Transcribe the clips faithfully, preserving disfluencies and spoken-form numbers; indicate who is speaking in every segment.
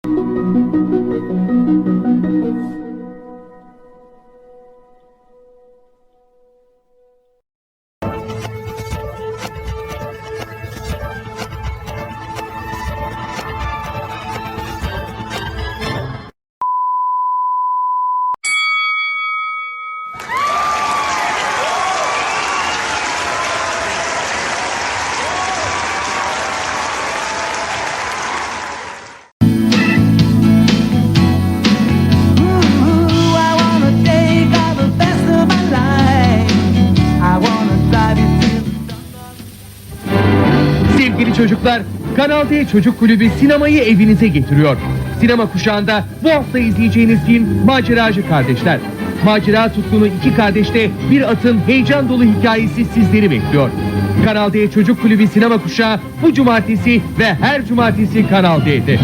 Speaker 1: Sevgili çocuklar, Kanal D Çocuk Kulübü sinemayı evinize getiriyor. Sinema kuşağında bu hafta izleyeceğiniz film Maceracı Kardeşler. Macera tutkunu iki kardeşte bir atın heyecan dolu hikayesi sizleri bekliyor. Kanal D Çocuk Kulübü sinema kuşağı bu cumartesi ve her cumartesi Kanal D'de.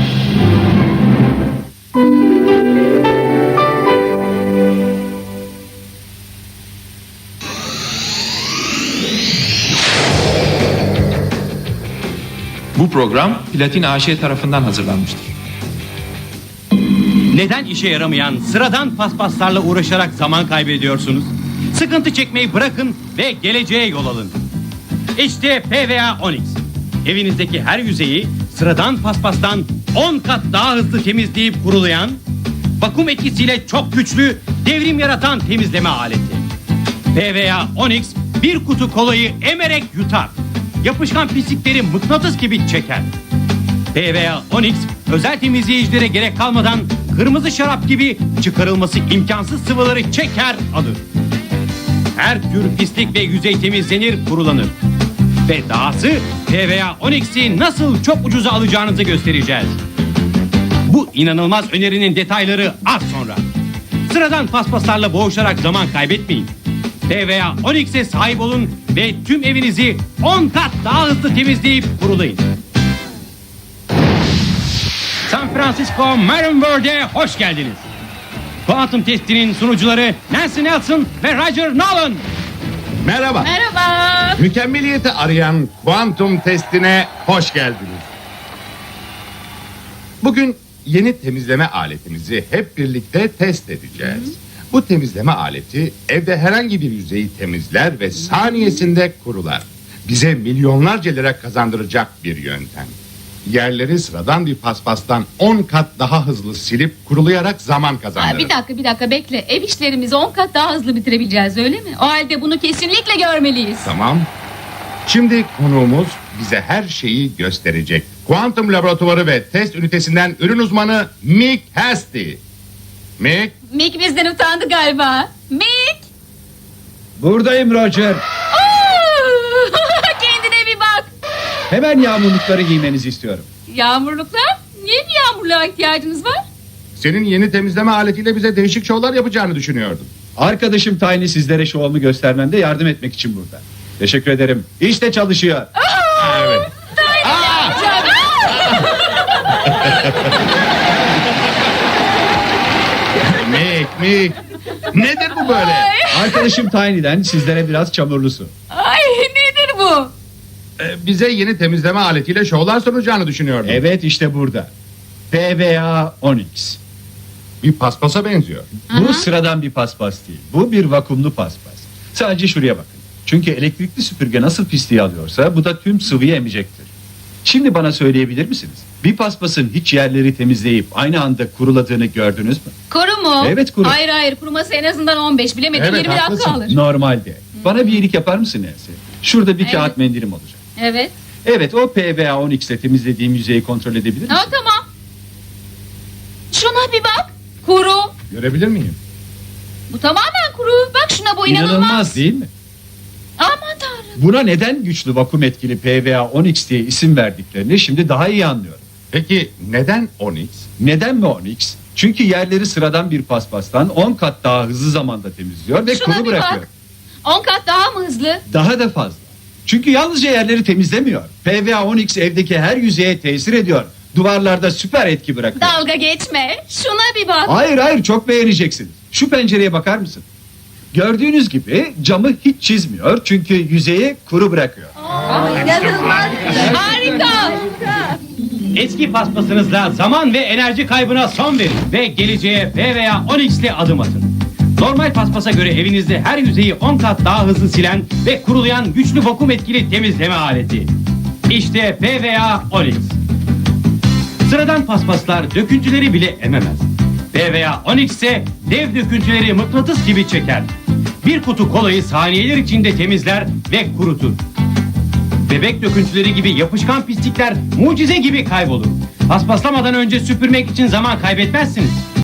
Speaker 2: Bu program Platin A Ş tarafından hazırlanmıştır.
Speaker 3: Neden işe yaramayan sıradan paspaslarla uğraşarak zaman kaybediyorsunuz? Sıkıntı çekmeyi bırakın ve geleceğe yol alın. İşte P V A Onyx. Evinizdeki her yüzeyi sıradan paspastan on kat daha hızlı temizleyip kurulayan, vakum etkisiyle çok güçlü, devrim yaratan temizleme aleti. P V A Onyx bir kutu kolayı emerek yutar. Yapışkan pislikleri mıknatıs gibi çeker. P V A Onyx özel temizleyicilere gerek kalmadan kırmızı şarap gibi çıkarılması imkansız sıvıları çeker alır. Her tür pislik ve yüzey temizlenir, kurulanır. Ve dahası P V A Onyx'i nasıl çok ucuza alacağınızı göstereceğiz. Bu inanılmaz önerinin detayları az sonra. Sıradan paspaslarla boğuşarak zaman kaybetmeyin. P V A Onyx'e sahip olun ve tüm evinizi on kat daha hızlı temizleyip kurulayın. San Francisco Marine World'e hoş geldiniz. Kuantum testinin sunucuları Nancy Nelson ve Roger Nolan.
Speaker 4: Merhaba.
Speaker 5: Merhaba.
Speaker 4: Mükemmeliyeti arayan kuantum testine hoş geldiniz. Bugün yeni temizleme aletimizi hep birlikte test edeceğiz. Hı. Bu temizleme aleti evde herhangi bir yüzeyi temizler ve saniyesinde kurular. Bize milyonlarca lira kazandıracak bir yöntem. Yerleri sıradan bir paspastan on kat daha hızlı silip kurulayarak zaman kazandırır.
Speaker 5: Aa, bir dakika bir dakika bekle. Ev işlerimizi on kat daha hızlı bitirebileceğiz, öyle mi? O halde bunu kesinlikle görmeliyiz.
Speaker 4: Tamam. Şimdi konuğumuz bize her şeyi gösterecek. Kuantum laboratuvarı ve test ünitesinden ürün uzmanı Mick Hasty. Mick.
Speaker 5: Mick bizden utandı galiba. Mick!
Speaker 6: Buradayım Roger.
Speaker 5: Kendine bir bak.
Speaker 6: Hemen yağmurlukları giymenizi istiyorum.
Speaker 5: Yağmurluklar? Niye bir yağmurluğa ihtiyacınız var?
Speaker 4: Senin yeni temizleme aletiyle bize değişik şovlar yapacağını düşünüyordum.
Speaker 6: Arkadaşım Tiny sizlere şovumu göstermemde yardım etmek için burada. Teşekkür ederim. İşte çalışıyor.
Speaker 4: Evet. Mick, Mick. Nedir bu böyle?
Speaker 6: Arkadaşım Tiny'den sizlere biraz çamurlu su.
Speaker 5: Ay, nedir bu?
Speaker 4: Ee, bize yeni temizleme aletiyle şovlar sunacağını düşünüyordum.
Speaker 6: Evet, işte burada. P V A Onyx.
Speaker 4: Bir paspasa benziyor.
Speaker 6: Bu sıradan bir paspas değil. Bu bir vakumlu paspas. Sadece şuraya bakın. Çünkü elektrikli süpürge nasıl pisliği alıyorsa bu da tüm sıvıyı emecektir. Şimdi bana söyleyebilir misiniz? Bir paspasın hiç yerleri temizleyip aynı anda kuruladığını gördünüz mü?
Speaker 5: Kuru mu?
Speaker 6: Evet, kuru.
Speaker 5: Hayır hayır, kuruması en azından on beş, bilemedim
Speaker 4: Evet,
Speaker 5: yirmi dakika
Speaker 4: haklısın.
Speaker 5: alır.
Speaker 6: Normalde. Bana bir iyilik yapar mısın Nancy? Şurada bir
Speaker 5: Evet.
Speaker 6: kağıt mendilim olacak.
Speaker 5: Evet.
Speaker 6: Evet, o P V A Onyx ile temizlediğim yüzeyi kontrol edebilir misin?
Speaker 5: Ha, tamam. Şuna bir bak. Kuru.
Speaker 4: Görebilir miyim?
Speaker 5: Bu tamamen kuru. Bak şuna, bu inanılmaz.
Speaker 6: İnanılmaz değil mi?
Speaker 5: Aman tanrım.
Speaker 6: Buna neden güçlü vakum etkili P V A Onyx diye isim verdiklerini şimdi daha iyi anlıyorum.
Speaker 4: Peki neden Onyx?
Speaker 6: Neden mi Onyx? Çünkü yerleri sıradan bir paspastan on kat daha hızlı zamanda temizliyor ve
Speaker 5: Şuna
Speaker 6: kuru
Speaker 5: bir
Speaker 6: bırakıyor.
Speaker 5: bak. on kat daha mı hızlı?
Speaker 6: Daha da fazla. Çünkü yalnızca yerleri temizlemiyor. P V A Onyx evdeki her yüzeye tesir ediyor. Duvarlarda süper etki bırakıyor.
Speaker 5: Dalga geçme. Şuna bir bak.
Speaker 6: Hayır hayır, çok beğeneceksiniz. Şu pencereye bakar mısın? Gördüğünüz gibi camı hiç çizmiyor çünkü yüzeyi kuru bırakıyor.
Speaker 5: İnanılmaz. Harika.
Speaker 3: Eski paspasınızla zaman ve enerji kaybına son verin ve geleceğe P V A on X ile adım atın. Normal paspasa göre evinizde her yüzeyi on kat daha hızlı silen ve kurulayan güçlü vakum etkili temizleme aleti. İşte P V A on X. Sıradan paspaslar döküntüleri bile ememez. P V A on X ise dev döküntüleri mıknatıs gibi çeker. Bir kutu kolayı saniyeler içinde temizler ve kurutur. Bebek döküntüleri gibi yapışkan pislikler mucize gibi kaybolur. Paspaslamadan önce süpürmek için zaman kaybetmezsiniz.